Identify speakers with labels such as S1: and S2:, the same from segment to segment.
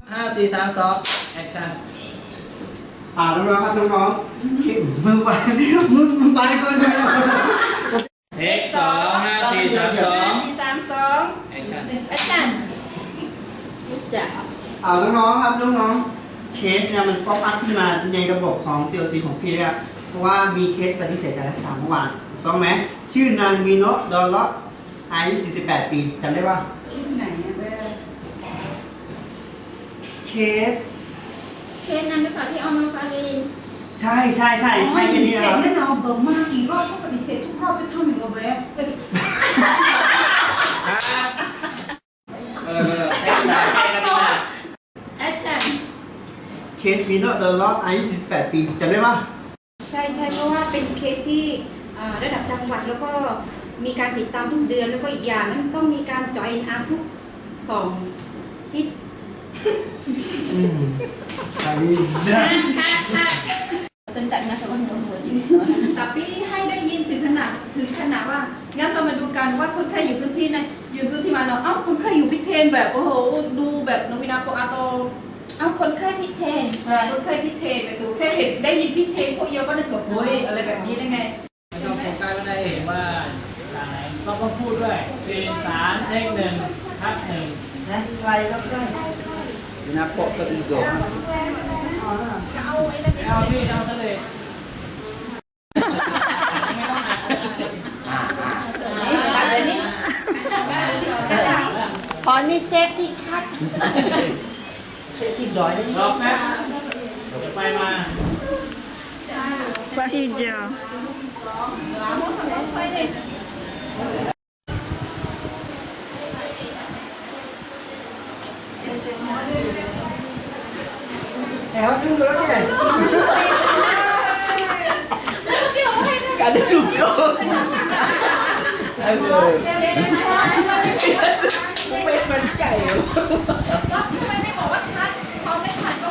S1: 5 4 3 2แอคชั่น
S2: น้องๆครับน้องๆมึงไปมึงไปก่อนเลย
S1: เทค2 5 4 3 2
S3: 4 3 2
S1: แอคชั่น
S3: แอคชั่นจะ
S2: น้องๆครับน้องๆเคสเนี่ยมันป๊อปอัพขึ้นมาในระบบของ CLC ของพี่เนี่ยเพราะว่ามีเคสปฏิเสธการรักษาเมื่อวานถูกต้องไหมชื่อนางมิโนะดอลล็อกอายุ48 ปีจำได้ป่ะ
S3: ไหนเนี่ยเว้ย
S2: เคส
S3: นั้นหรือเปล่าที่เอามาฟารีน
S2: ใช่ยันนี้นะครับ
S4: แน่นอนเบอร์มากกี่รอบก็ปฏิเสธทุกรอบจะทำอย่างกับแวะ
S1: เทค3ให้กันดีนะ
S3: แอคชั่น
S2: เคสมิโนะดอลล็อกอายุ48 ปีจำได้ป่ะ
S3: ใช่เพราะว่าเป็นเคสที่ระดับจังหวัดแล้วก็มีการติดตามทุกเดือนแล้วก็อีกอย่างนั้นต้องมีการจอยอินอาร์ทุก2ทิศ
S2: ใช่
S3: ค่ะtentang nasa orang tua jadi
S4: tapi ให้ได้ยินถึงขนาดว่างั้นเรามาดูกันว่าคนไข้อยู่พื้นที่ไหนอยู่พื้นที่มาเนาะคนไข้อยู่พิเทนแบบโอ้โหดูแบบนวินาโกอาโต
S3: เอาคนไข้พิเทน
S4: คนไข้พิเทนไปดูแค่เห็นได้ยินพิเทนพวกเยอะก็นึกแบบโอ้ยอะไรแบบนี้ได้ไง
S1: เราโฟกัสก็ได้เห็นว่าทางไหนเราก็พูดด้วย4 3เทค1ทัก1
S2: นะใครก็ได้
S5: Kenapa kau tidur?
S1: เอาพี่เอาเสลดไม่ต้องอัด
S4: อะไรนี่
S3: พอนี่เซฟที่คัด
S5: ที่ดอยนี่
S1: รอแป๊บเดี๋ยวไปมา
S3: Hijau
S2: Hãy subscribe cho kênh Ghiền Mì Gõ để không bỏ lỡ những video hấp dẫn
S5: ada cukup. Aduh. Main cai.
S4: ทำไมไม่บอกว่าคัดพอไม่คัดก็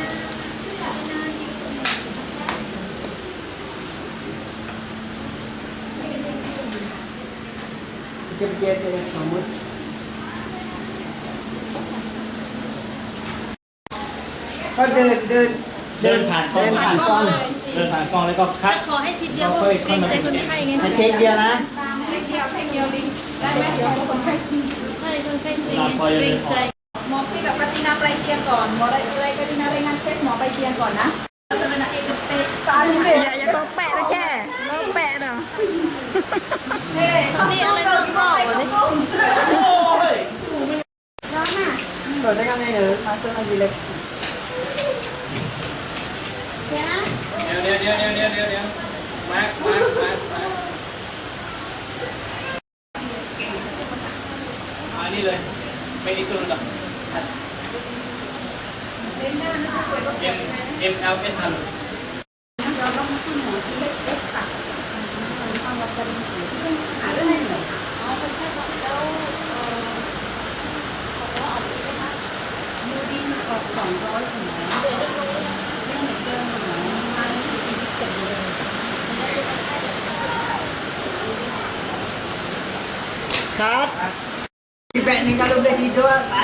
S2: Cepet ya, kamu. ก็เดินผ่านกล้องเดินผ่านกล้องแล้วก็คัด
S3: ขอให้ทีเดียวเกรงใจคนไข้ไง
S2: เช็คเดียวนะ
S4: เดียวลิงได้ไหมเดี๋ยวคนไข้จริง
S3: ไม่คนไข้จริงเกรงใจ
S4: หมอพี่กับปฏินาไปเตียงก่อนหมออะไรปฏินารายงานเช็คหมอไปเตียงก่อนนะสมณะเอกเตะตาลิเบะ
S3: อย่าต้องแปะนะแช่ต้องแปะเนาะ
S4: เฮ้ยนี่อะไรก็เข้าไปเลยโอ้ยร้อนอ่ะ
S2: rồi nó ngay nữa mà sơn là gì lịch
S1: เดี๋ยวมาร์คนี่เลยไม่ได้ตัวหรอกMLS ฮัลโหล
S4: เราต้องขึ้นหมอ CHF ค่ะทางวัดกระดิ่งหาเรื่องไหนอ๋อเป็นแค่บอกแล้วดูดินออก200ถึงเดือนเรื่องเหมือนเดิมหมอมา47เลย
S2: ครับที่แปะนี่kalau udah tidur